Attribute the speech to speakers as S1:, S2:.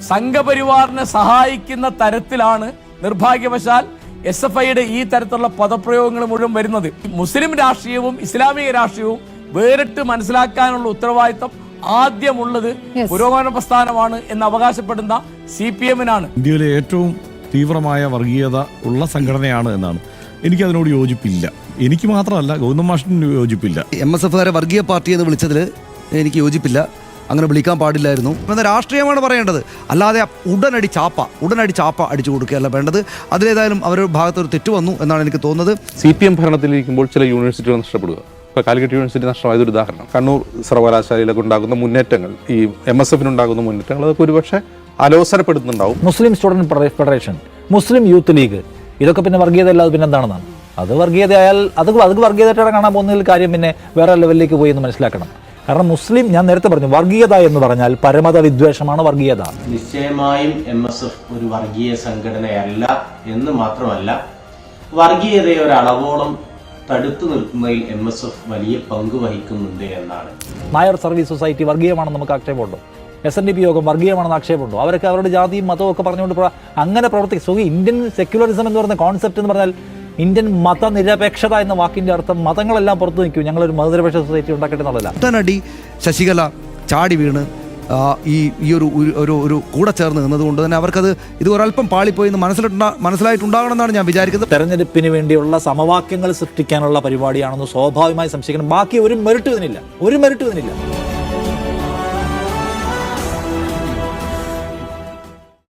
S1: സംഘപരിവാറിനെ സഹായിക്കുന്ന തരത്തിലാണ് നിർഭാഗ്യവശാൽ SFIയുടെ ഈ തരത്തിലുള്ള പദപ്രയോഗങ്ങൾ മുഴുവൻ വരുന്നത്. മുസ്ലിം രാഷ്ട്രീയവും ഇസ്ലാമിക രാഷ്ട്രീയവും വേറിട്ട് മനസ്സിലാക്കാനുള്ള ഉത്തരവാദിത്തം ആദ്യമുള്ളത് പുരോഗമന പ്രസ്ഥാനമാണ് എന്ന് അവകാശപ്പെടുന്ന CPM-നാണ്.
S2: ഇന്ത്യയിലെ ഏറ്റവും തീവ്രമായ വർഗീയത ഉള്ള സംഘടനയാണ് എന്നാണ്. എനിക്കതിനോട് യോജിപ്പില്ല. എനിക്ക് മാത്രമല്ല, ഗൗതം മാഷിന് യോജിപ്പില്ല.
S3: MSFകാരെ വർഗീയ പാർട്ടി എന്ന് വിളിച്ചതിൽ എനിക്ക് യോജിപ്പില്ല. അങ്ങനെ വിളിക്കാൻ പാടില്ലായിരുന്നു എന്ന രാഷ്ട്രീയമാണ് പറയേണ്ടത്. അല്ലാതെ ഉടനടി ചാപ്പ അടിച്ചു കൊടുക്കുകയല്ല വേണ്ടത്. അതിലേതായാലും അവരുടെ ഭാഗത്തൊരു തെറ്റ് വന്നു എന്നാണ് എനിക്ക് തോന്നുന്നത്.
S4: CPM ഭരണത്തിലിരിക്കുമ്പോൾ ചില യൂണിവേഴ്സിറ്റികൾ നഷ്ടപ്പെടുക. ഇപ്പോൾ കാലിക്കറ്റ് യൂണിവേഴ്സിറ്റി നഷ്ടമായതൊരു ഉദാഹരണം. കണ്ണൂർ സർവകലാശാലയിലൊക്കെ ഉണ്ടാകുന്ന മുന്നേറ്റങ്ങൾ, ഈ MSFനുണ്ടാകുന്ന മുന്നേറ്റങ്ങൾ, അതൊക്കെ ഒരുപക്ഷെ അലോസരപ്പെടുത്തുന്നുണ്ടാവും.
S5: Muslim student federation, Muslim youth league, ഇതൊക്കെ പിന്നെ വർഗീയത അല്ലാതെ പിന്നെ എന്താണെന്നാണ്. അത് വർഗീയതയായാൽ അത് വർഗീയതയായിട്ടാണ് കാണാൻ പോകുന്നതിൽ കാര്യം പിന്നെ വേറെ ലെവലിലേക്ക് പോയി എന്ന് മനസ്സിലാക്കണം. കാരണം മുസ്ലിം, ഞാൻ നേരത്തെ പറഞ്ഞു, വർഗീയത എന്ന് പറഞ്ഞാൽ പരമത വിദ്വേഷമാണ് വർഗീയത.
S6: നിശ്ചയമായും MSF ഒരു വർഗീയ സംഘടനയല്ല എന്ന് മാത്രമല്ല, വർഗീയതയെ ഒരളവോളം തടുത്തു നിർത്തുന്നതിൽ MSF വലിയ പങ്ക് വഹിക്കുന്നുണ്ട് എന്നാണ്.
S5: നായർ സർവീസ് സൊസൈറ്റി വർഗീയമാണെന്ന് നമുക്ക് ആക്ഷേപമുണ്ടോ? SNDP യോഗം വർഗീയമാണെന്ന് ആക്ഷേപമുണ്ടോ? അവരൊക്കെ അവരുടെ ജാതിയും മതവും ഒക്കെ പറഞ്ഞുകൊണ്ട് അങ്ങനെ പ്രവർത്തിക്കും. ഇന്ത്യൻ സെക്യുലറിസം എന്ന് പറയുന്ന കോൺസെപ്റ്റ് എന്ന് പറഞ്ഞാൽ, ഇന്ത്യൻ മതനിരപേക്ഷത എന്ന വാക്കിന്റെ അർത്ഥം മതങ്ങളെല്ലാം പുറത്തു നിൽക്കും, ഞങ്ങളൊരു മതനിരപേക്ഷ സൊസൈറ്റി ഉണ്ടാക്കട്ടെ എന്നുള്ളതല്ല.
S3: ഉടനടി ശശികല ചാടി വീണ് ഈ ഒരു കൂടെ ചേർന്ന് നിന്നതുകൊണ്ട് തന്നെ അവർക്കത് ഇത് ഒരല്പം പാളിപ്പോയി എന്ന് മനസ്സിലായിട്ടുണ്ടാകണമെന്നാണ് ഞാൻ വിചാരിക്കുന്നത്.
S5: തെരഞ്ഞെടുപ്പിന് വേണ്ടിയുള്ള സമവാക്യങ്ങൾ സൃഷ്ടിക്കാനുള്ള പരിപാടിയാണെന്ന് സ്വാഭാവികമായി സംശയിക്കണം. ബാക്കി ഒരു മെറിറ്റ് ഇതിനില്ല.